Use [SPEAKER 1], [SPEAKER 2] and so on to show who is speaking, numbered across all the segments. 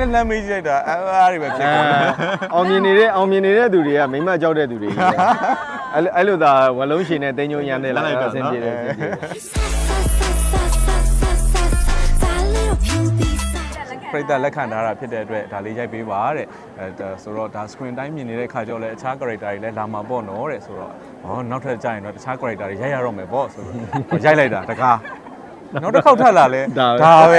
[SPEAKER 1] နဲ့လမ်းမေးကြည့်လိုက်တာအားတွေပဲဖြစ်ကုန်တယ်
[SPEAKER 2] အောင်မြင်နေတဲ့သူတွေကမိမကြောက်တဲ့သူတွေအဲ့လိုသာဝလုံးရှင်နဲ့တင်းညိုရမ်းတဲ့လားအဆင်ပြေတယ်
[SPEAKER 1] ပရိသတ်လက်ခံထားတာဖြစ်တဲ့အတွက်ဒါလေးရိုက်ပေးပါတဲ့ဆိုတော့ဒါ screen တိုင်းမြင်နေတဲ့ခါကျတော့လည်းအခြား character တွေလည်းလာမှာပေါ့နော်တဲ့ဆိုတော့နောက်ထပ်ကြာရင်တော့တခြား character တွေရိုက်ရတော့မယ်ပေါ့ဆိုတော့ရိုက်လိုက်တာတကားနောက်တစ်ခေါက်ထပ်လာလဲဒါပဲ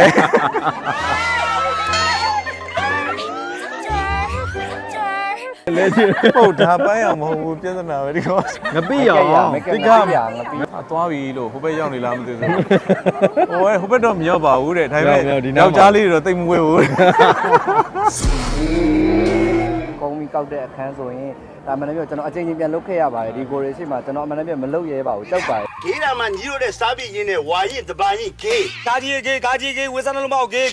[SPEAKER 1] လေဟုတ်ဒါပန်းရမဟုတ်ဘူးပြဿနာပဲဒီကော
[SPEAKER 2] ငပိရော
[SPEAKER 1] ဒီကသွားပြီလို့ဟိုဘက်ရောက်နေလားမသိဘူးဟိုဘက်တော့မရောက်ပါဘူးတဲ့ဒါပေမဲ့ယောက်ျားလေးတွေတော့တိတ်မဝဲဘူး
[SPEAKER 3] ကုန်းပြီးကောက်တဲ့အခန်းဆိုရင်ဒါမှလည်းကျွန်တော်အချိန်ချင်းပြန်လုတ်ခဲ့ရပါတယ်ဒီကိုရီရှိမှကျွန်တော်အမှန်တည်းမလုတ်ရဲပါဘူးကြောက်ပါတယ်
[SPEAKER 4] ဂေးတာမှညီတို့တဲ့စားပြင်းနဲ့ဝါရင်တပန်ရင်ဂေးကာကြီးဝေးစားလုံးမအောင်ဂေး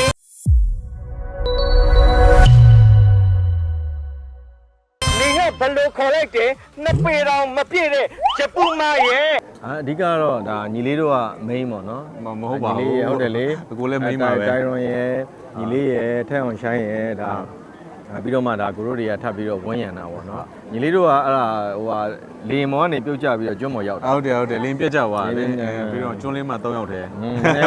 [SPEAKER 4] ဘယ်လိုခေါ်လိုက်တယ်နှစ်ပေတောင်မပြည့်တဲ့ဂျပူမာရဲ့
[SPEAKER 2] အဓိကတော့ဒါညီလေးတို့က main ပေါ့နော်
[SPEAKER 1] မဟုတ်ပါဘူး
[SPEAKER 2] ညီလေးဟုတ်တယ်လေ
[SPEAKER 1] အကိုလည်း main ပါပဲ
[SPEAKER 2] တိုင်ရွန်ရဲ့ညီလေးရဲ့ထက်အောင်ရှိုင်းရဲ့ဒါပြီးတော့မှဒါကိုတို့တွေကထပ်ပြီးတော့ဝန်းရံတာပေါ့နော်ညီလေးတို့ကအဲ့ဒါဟိုဟာလေမောကနေပြုတ်ကြပြီးတော့ကျွန်းမော်ရောက်တာ
[SPEAKER 1] ဟုတ်တယ်လင်းပြတ်ကြသွားတယ်ပြီးတော့ကျွန်းလေးမှာ3ယောက်တည်း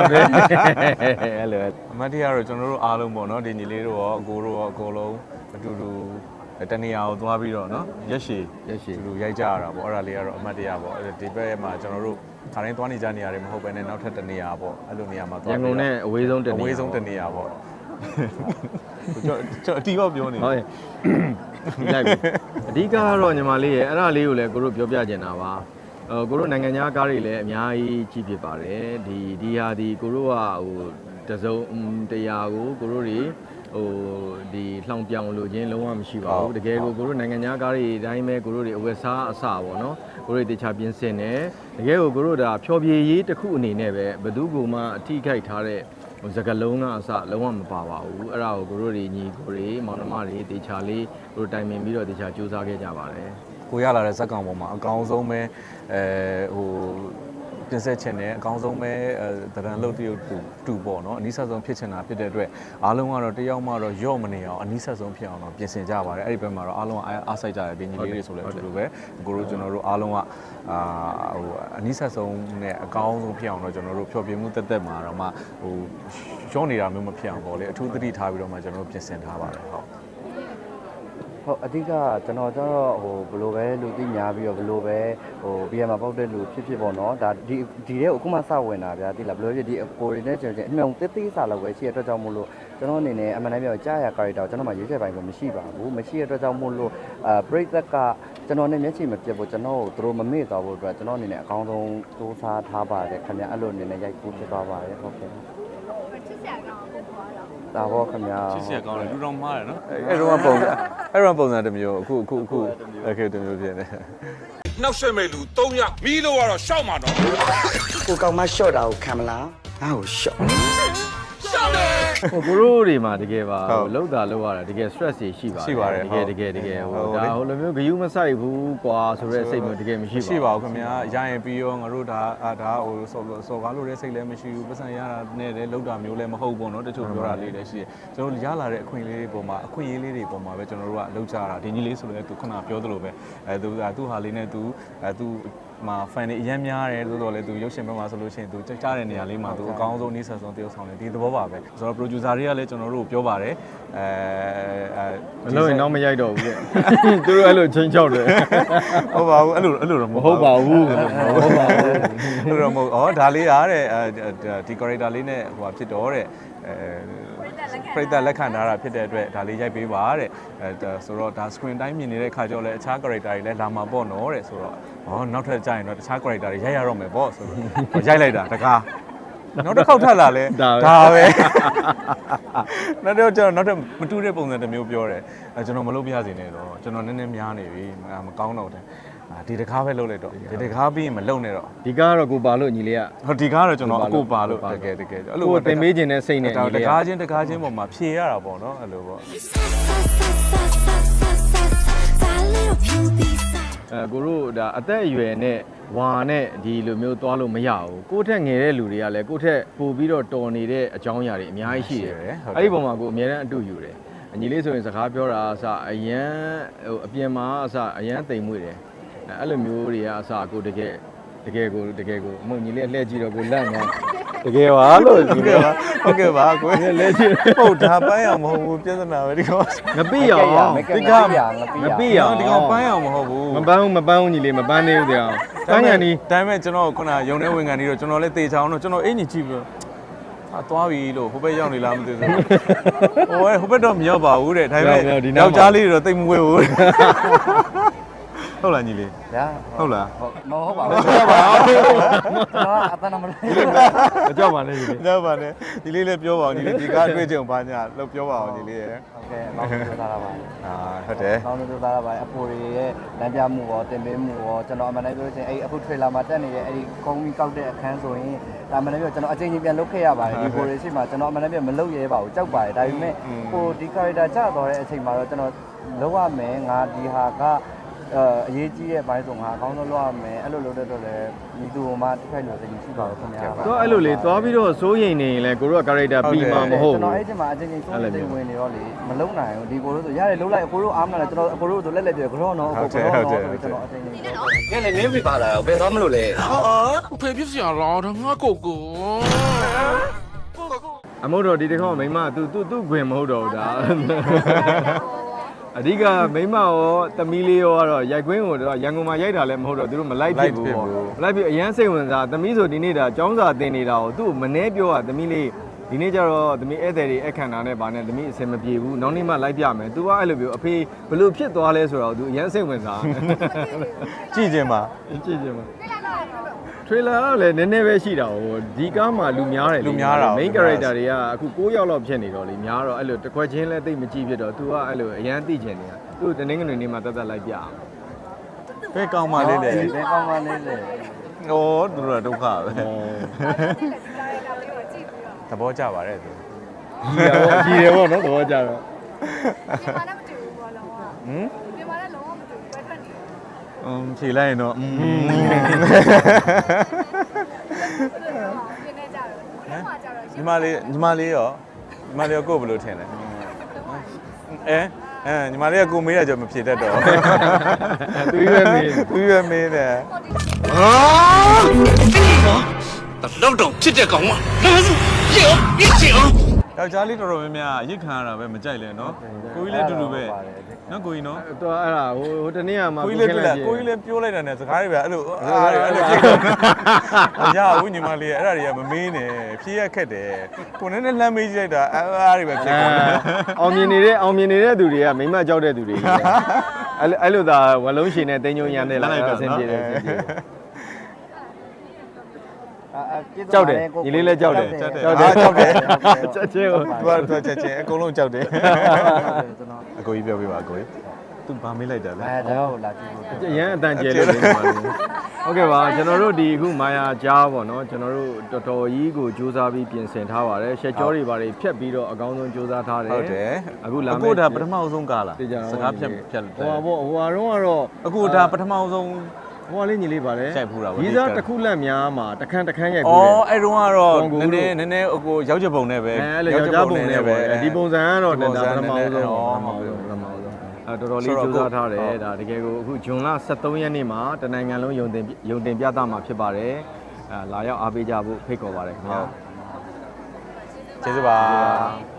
[SPEAKER 2] အဲ့လို
[SPEAKER 1] အမတ်တရားတော့ကျွန်တော်တို့အားလုံးပေါ့နော်ဒီညီလေးတို့ရောအကိုတို့ရောအကုန်လုံးအတူတူတနေရာကိုသွားပြီးတော့နော်ရက်ရှည်သူရိုက်ကြရတာပေါ့အဲ့ဒါလေးကတော့အမှတ်တရပေါ့ဒီဘက်မှာကျွန်တော်တို့ခါတိုင်းသွားနေကြနေရတယ်မဟုတ်ဘဲနဲ့နောက်ထပ်တနေရာပေါ့အဲ့လိုနေရာမှာသွား
[SPEAKER 2] ရန်ကုန်နဲ့အဝေးဆုံး
[SPEAKER 1] တနေရာပေါ့ကျွန်တော်အတီးတော့ပြောနေ
[SPEAKER 2] ဟုတ်လိုက်ပြီအဓိကကတော့ညီမလေးရဲ့အဲ့ဒါလေးကိုလည်းကိုတို့ပြောပြချင်တာပါကိုတို့နိုင်ငံသားကားတွေလည်းအများကြီးကြီးဖြစ်ပါတယ်ဒီဟာဒီကိုတို့ကဟိုတစုံတရားကိုတို့တွေဒီလှောင်ပြောင်လို့ချင်းလုံးဝမရှိပါဘူးတကယ်ကိုတို့နိုင်ငံသားကားတွေအတိုင်းပဲကိုတို့တွေအဝယ်စားအစပေါ့နော်ကိုတို့တေချာပြင်ဆင်တယ်တကယ်ကိုတို့ဒါဖြောပြေးရေးတစ်ခုအနေနဲ့ပဲဘယ်သူကမှအထိခိုက်ထားတဲ့စကလုံးကအစလုံးဝမပါပါဘူးအဲ့ဒါကိုတို့တွေညီကိုတွေမောင်နှမတွေတေချာလေးတို့တိုင်ပင်ပြီးတော့တေချာစူးစမ်းခဲ့ကြပါတယ်
[SPEAKER 1] ကိုရလာတဲ့ဇက်ကောင်ပေါ်မှာအကောင်းဆုံးပဲပြင်ဆက်ချင်တယ်အကောင်းဆုံးပဲတရံလုတ်တရုတ်တူပေါ့နော်အနည်းဆက်ဆုံးဖြစ်ချင်တာဖြစ်တဲ့အတွက်အားလုံးကတော့တယောက်မှတော့ရော့မနေအောင်အနည်းဆက်ဆုံးဖြစ်အောင်တော့ပြင်ဆင်ကြပါတယ်အဲ့ဒီဘက်မှာတော့အားလုံးအားစိုက်ကြတယ်ဒီညီလေးတွေဆိုလည်းအတူတူပဲကိုတို့ကျွန်တော်တို့အားလုံးကဟိုအနည်းဆက်ဆုံးနဲ့အကောင်းဆုံးဖြစ်အောင်တော့ကျွန်တော်တို့ဖြောပြမှုတက်မှာတော့မှဟိုရော့နေတာမျိုးမဖြစ်အောင်ပေါ့လေအထူးသတိထားပြီးတော့မှကျွန်တော်တို့ပြင်ဆင်ထားပါတယ်ဟုတ်
[SPEAKER 3] အဓိကကျွန်တော်ကျတော့ဘယ်လိုပဲလူသိများပြီးတော့ဘယ်လိုပဲBM မှာပေါက်တဲ့လူဖြစ်ပေါ့နော်ဒါဒီတဲ့အခုမှစဝင်တာဗျာသိလားဘယ်လိုဖြစ်ဒီအကိုတွေနဲ့ကျွန်တော်အမြုံသေးစားလောက်ပဲရှိရတဲ့အတွက်ကြောင့်မို့လို့ကျွန်တော်အနေနဲ့အမှန်တမ်းပြောကြားရ character ကိုကျွန်တော်မှရွေးချယ်ပိုင်းတော့မရှိပါဘူးမရှိရတဲ့အတွက်ကြောင့်မို့လို့ပရိသတ်ကကျွန်တော်နဲ့မျက်ခြေမပြတ်ဖို့ကျွန်တော်ကိုသူတို့မမေ့သွားဖို့အတွက်ကျွန်တော်အနေနဲ့အကောင်းဆုံးစူးစမ်းထားပါတယ်ခင်ဗျအဲ့လိုအနေနဲ့ရိုက်ကူးဖြစ်သွားပါတယ်ဟုတ်ကဲ့ဒါဘောခင်ဗျာ
[SPEAKER 1] ချစ်စရာကောင်းတယ်လူတော်မှားတယ်နော်အဲ့တော့ပုံစံတစ်မျိုးအခုအခုတစ်မျိုးဖြစ်နေ
[SPEAKER 4] နှောက်ရွှဲမဲ့လူ3ယောက်မီးလို့ကတော့ရှောက်မှာတော့ကိုကောင်မရှော့တာကိုခံမလားငါ့ကိုရှော့
[SPEAKER 2] ကိုတို့တွေမှာတကယ်ပါလောက်တာလောက်ရတာတကယ် stress တွေရှိပါတယ်တကယ်ဒါဟိုလိုမျိုးဂယုမဆိုင်ဘူးကွာဆိုတဲ့စိတ်မျိုးတကယ်မရှိ
[SPEAKER 1] ပါဘူးခင်ဗျာရရင်ပြီးရောငါတို့ဒါဟိုစော်ကားလို့တဲ့စိတ်လည်းမရှိဘူးပတ်စံရတာနဲ့လည်းလောက်တာမျိုးလည်းမဟုတ်ဘူးเนาะတချို့ပြောတာလေးလည်းရှိတယ်ကျွန်တော်ရလာတဲ့အခွင့်အရေးလေးတွေပေါ်မှာအခွင့်အရေးလေးတွေပေါ်မှာပဲကျွန်တော်တို့ကလောက်ကြတာဒီကြီးလေးဆိုလည်းသူခုနပြောသလိုပဲသူဟာလေးနဲ့သူမှာ fan တွေအများများတယ်ဆိုတော့လေသူရုပ်ရှင်ဘက်မှာဆိုလို့ရှိရင်သူကြားတဲ့နေရာလေးမှာသူအကောင်းဆုံးနေဆက်ဆုံးတယောက်ဆောင်တယ်ဒီသဘောပါပဲဆိုတော့ producer တွေကလည်းကျွန်တော်တို့ပြောပါတယ်
[SPEAKER 2] မလို့ရင်တော့မရိုက်တော့ဘူးတဲ့သူတို့အဲ့လိုချင်းချောက်တယ်
[SPEAKER 1] ဟုတ်ပါဘူးအဲ့လိုတော့
[SPEAKER 2] မဟုတ်ပါဘူး
[SPEAKER 1] အဲ့လိုတော့မဟုတ်ဒါလေးအားတဲ့ဒီ character လေးနဲ့ဟိုဖြစ်တော့တဲ့ပရိသတ်လက်ခံထားတာဖြစ်တဲ့အတွက်ဒါလေးရိုက်ပေးပါတဲ့ဆိုတော့ဒါ screen တိုင်းမြင်နေတဲ့ခါကျတော့လည်းအခြား character တွေလည်းလာမှာပေါ့နော်တဲ့ဆိုတော့နောက်ထပ်ကြာရင်တော့တခြား character တွေရိုက်ရတော့မယ်ပေါ့ဆိုတော့ရိုက်လိုက်တာတကားနောက်တစ်ခေါက်ထပ်လာလဲဒါပဲနောက်တော့နောက်ထပ်မတူတဲ့ပုံစံတစ်မျိုးပြောတယ်ကျွန်တော်မလုပ်ပြရစေနဲ့တော့ကျွန်တော်နည်းနည်းများနေပြီမကောင်းတော့တယ်ဒီတကားပဲလုပ်လိုက်တော့ဒီတကားပြီးရင်မလုပ်နဲ့တော့
[SPEAKER 2] ဒီကားကတော့ကိုပါလို့ညီလေးက
[SPEAKER 1] ဟုတ်ဒီကားကတော့ကျွန်တော်အကိုပါလို့တကယ်
[SPEAKER 2] အဲ့လိုတင်ပေးခြင်းနဲ့စိတ်နဲ့ညီလေး
[SPEAKER 1] တကားချင်းပေါ်မှာဖြေရတာပေါ့နော်အဲ့လိုပေါ့
[SPEAKER 2] ကိုတို့ဒါအသက်အရွယ်နဲ့ဝါနဲ့ဒီလိုမျိုးသွားလို့မရဘူးကိုယ့်ထက်ငယ်တဲ့လူတွေကလည်းကိုယ့်ထက်ပိုပြီးတော့တော်နေတဲ့အကြောင်းအရာတွေအများကြီးရှိတယ်အဲ့ဒီပုံမှာကိုအများအားအတူယူတယ်အညီလေးဆိုရင်စကားပြောတာအစအရန်ဟိုအပြင်မှာအစအရန်တိမ်မွေ့တယ်အဲ့လိုမျိုးတွေကအစကိုတကယ်ကိုအမညီလေးလှည့်ကြည့်တော့ကိုလန့်နေတကယ်ပါလို့ဒီက
[SPEAKER 1] ဟုတ်ကဲ့ပါကို
[SPEAKER 2] လှည့်ကြည့်
[SPEAKER 1] ဟုတ်ဒါပန်းအောင်မဟုတ်ဘူးပြဿနာပဲဒီကောင်
[SPEAKER 2] ငပိရောင်
[SPEAKER 3] ဒီကငပိရ
[SPEAKER 1] ဒီကောင်ပန်းအောင်မဟုတ်ဘူး
[SPEAKER 2] မပန်းဘူးညီလေးမပန်းနေဘူးတရားပန်းကန်ဒီ
[SPEAKER 1] ဒါပေမဲ့ကျွန်တော်ခုနရုံထဲဝင်ကန်ပြီးတော့ကျွန်တော်လည်းတေချောင်းတော့ကျွန်တော်အင်ကြီးကြည့်ပြီးတော့သွားပြီလို့ဟိုဘက်ရောက်နေလားမသိဘူးဟိုဘက်တော့မရောက်ပါဘူးတဲ့ဒါပေမဲ့ယောက်ျားလေးတွေတော့တိတ်မဝဲဘူးဟုတ်လားညီလေး
[SPEAKER 3] ညာ
[SPEAKER 1] ဟုတ်လား
[SPEAKER 3] မဟုတ်ပါဘူးဟုတ်ပါဘူးကျွန်တော်အတန်းမလို့
[SPEAKER 2] မကြောက်ပါနဲ့ညီလေး
[SPEAKER 1] တော့ပါနဲ့ညီလေးလည်းပြောပါအောင်ညီလေးဒီကားတွေ့ကြုံပါညာလို့ပြောပါအောင်ညီလေးရယ်
[SPEAKER 3] ဟုတ်ကဲ့မောင်တို့ပြောတာပါ
[SPEAKER 1] ဟုတ်တယ်
[SPEAKER 3] မောင်တို့ပြောတာပါအဖိုးတွေရဲ့လမ်းပြမှုရောတင်ပေးမှုရောကျွန်တော်အမှန်တမ်းပြောချင်အဲ့အခု trailer မှာတက်နေတဲ့အဲ့ဒီကုန်းကြီးကောက်တဲ့အခန်းဆိုရင်ဒါမှန်တမ်းပြောကျွန်တော်အချိန်ချင်းပြန်လုပ်ခဲ့ရပါတယ်ဒီဖိုတွေရှိမှကျွန်တော်အမှန်တမ်းပြောမလုပ်ရဲပါဘူးကြောက်ပါတယ်ဒါပေမဲ့ဟိုဒီ character ကျသွားတဲ့အချိန်မှာတော့ကျွန်တော်လုပ်ရမယ်ငါဒီဟာကအရေးကြီးရဲ့ဘိုင်းဆိုငါအကောင်းဆုံးလုပ်ရမယ်အဲ့လိုလုပ်တဲ့တော့လည်းဒီသူမှတစ်ခါလို့သိရှိပါတော့ခင်ဗျာ
[SPEAKER 2] တော့အဲ့လိုလေသွားပြီးတော့စိုးရိမ်နေရင်လည်းကိုတို့က character ပြီးမှာမဟုတ်
[SPEAKER 3] ကျွန်တော်
[SPEAKER 2] ဘူး
[SPEAKER 3] အဲ့ဒီမှာအချင်းချင်းစိုးရိမ်ဝင်နေတော့လေမလုံနိုင်ဘူးဒီကိုတို့ဆိုရတယ်လုံးလိုက်အကိုတို့အားမနာတယ်ကျွန်တော်အကိုတို့ဆိုလက်လက်ပြောကြောတော့အကိုကြောတော့ကျွန်တော်အချင်းချင်း
[SPEAKER 5] ညနေနင်းပြပါလာတော့ဘယ်သွားမလို့လဲ
[SPEAKER 4] ဟာဖေဖြစ်စရာလားဒါငါကိုကို
[SPEAKER 2] အမို့တော့ဒီတစ်ခေါက်မိမသူ့ခွင်မဟုတ်တော့ဘူးဒါအဓိကမိမရောသမီးလေးရောကတော့ရိုက်ကွင်းကိုတော့ရန်ကုန်မှာရိုက်တာလည်းမဟုတ်တော့သူတို့မလိုက်ဖြစ်ဘူးပေါ့မလိုက်ဖြစ်အရန်စိတ်ဝင်စားသမီးဆိုဒီနေ့ဒါចောင်းစာတင်နေတာကိုသူ့မနှဲပြောတာသမီးလေးဒီနေ့ကျတော့သမီးဧည့်သည်တွေအခမ်းအနားနဲ့ဗာနဲ့သမီးအဆင်မပြေဘူးနောက်နေ့မှလိုက်ပြမယ်သူကအဲ့လိုမျိုးအဖေဘလို့ဖြစ်သွားလဲဆိုတော့သူအရန်စိတ်ဝင်စား
[SPEAKER 1] ကြည့်ခြင်းပါ
[SPEAKER 2] ကြည့်မှာ trailer ကလည်းနည်းနည်းပဲရှိတာဟိုဒီကားမှာလူများတယ် main character တွေကအခု9ယောက်လောက်ဖြစ်နေတော့လေများတော့အဲ့လိုတစ်ခွက်ချင်းလဲတိတ်မကြည့်ဖြစ်တော့ तू ကအဲ့လိုအရန်သိချင်နေတာသူ့တနင်္ဂနွေနေ့မှာတက်လိုက်ပြအောင်
[SPEAKER 1] ဘယ်ကောင်းပါလေလေ
[SPEAKER 3] ဘယ်ကောင်းပါလဲလေ
[SPEAKER 1] ဩသူတို့ကဒုက္ခပဲသဘောကျပါတယ်သူ
[SPEAKER 2] ကြီးတယ်ပေါ့နော်သဘောကျတော့
[SPEAKER 6] မြန်မာနဲ့မတူဘူးဘောလုံးကမြန်မာနဲ့လုံးဝမတူဘူးပဲထွက်နေတယ်
[SPEAKER 1] ဖြေလိုက်ရင်တော့
[SPEAKER 6] ပြင်နေကြတယ်ဘယ်မှာကြတော့
[SPEAKER 1] ညီမလေးရောကိုယ်ဘယ်လိုထင်လဲညီမလေးကကိုမေးရကြမဖြေတတ်တော့သူရွေးမင်းတယ်
[SPEAKER 4] လောက်တော့ဖြစ်တဲ့ကောင်ကဒါဆိုရောပြစ်ချင်အောင်
[SPEAKER 1] ယောက်ျားလေးတော်တော်များများရစ်ခံရတာပဲမကြိုက်လဲနော်ကိုကြီးလည်းအတူတူပဲနော်ကိုကြီးနော်
[SPEAKER 2] တော့အဲ့ဒါဟိုတနေ့ကမှ
[SPEAKER 1] ကိုကြီးလည်းပြောလိုက်တာနဲ့စကားတွေပဲအဲ့လိုရဘူးညီမလေးအဲ့ဒါတွေကမမေးနဲ့ဖြေရခက်တယ်ကိုနဲ့လှမ်းမေးကြည့်လိုက်တာအဲ့တွေပဲဖြစ်ကုန်တယ်
[SPEAKER 2] အောင်မြင်နေတဲ့သူတွေကမိမကြောက်တဲ့သူတွေအဲ့လိုသာဝလုံးရှင်နဲ့တင်းညုံရမ်းနဲ့လာအဆင်ပြေတယ်ကြောက်တယ်ညီလေးလည်းကြောက်တယ်ချက်ချင်းကို
[SPEAKER 1] သူကချက်ချင်းအကုန်လုံးကြောက်တယ်အကိုကြီးပြောပြပါအကိုကြီးသူဘာမေးလိုက်တာလဲ
[SPEAKER 3] အဲဒါကိုလာကြည့်ဖို့
[SPEAKER 2] အရန်အတန်ကျဲလို့နေပါလေဟုတ်ကဲ့ပါကျွန်တော်တို့ဒီအခုမာယာကြားပေါ့နော်ကျွန်တော်တို့တော်တော်ကြီးကိုစူးစမ်းပြီးပြင်ဆင်ထားပါတယ်ရှက်ကြောတွေပါတယ်ဖြတ်ပြီးတော့အကောင်းဆုံးစူးစမ်းထားတယ်
[SPEAKER 1] ဟုတ်တယ်
[SPEAKER 2] အခုလာမယ်
[SPEAKER 1] အခုဒါပထမဆုံးကားလားစကားဖြတ်
[SPEAKER 2] ဟိုပါပေါ့ဟိုကတော့
[SPEAKER 1] အခုဒါပထမဆုံး
[SPEAKER 2] ဟိုလေးညီလေးပါတယ်
[SPEAKER 1] ရိုက်ဖူးတာပေါ့
[SPEAKER 2] ဒီစားတစ်ခုလက်များမှာတခန်းရိုက်ဖူးတယ်
[SPEAKER 1] အော်အဲ့တုန်းကတော့နည်းနည်းအကိုရောက်ချက်ပုံနဲ့ပဲ
[SPEAKER 2] အဲ့လိုယောက်ျားပုံနဲ့ပဲဒီပုံစံကတော့ဒါပထမဆုံးတော်တော်လေးစူးစမ်းထားတယ်ဒါတကယ်ကိုအခုဇွန်လ23ရက်နေ့မှာတနိုင်ငံလုံးယုံတင်ပြသမှာဖြစ်ပါတယ်လာရောက်အားပေးကြဖို့ဖိတ်ခေါ်ပါတယ်ခင်ဗျာ
[SPEAKER 1] ကျေးဇူးပါ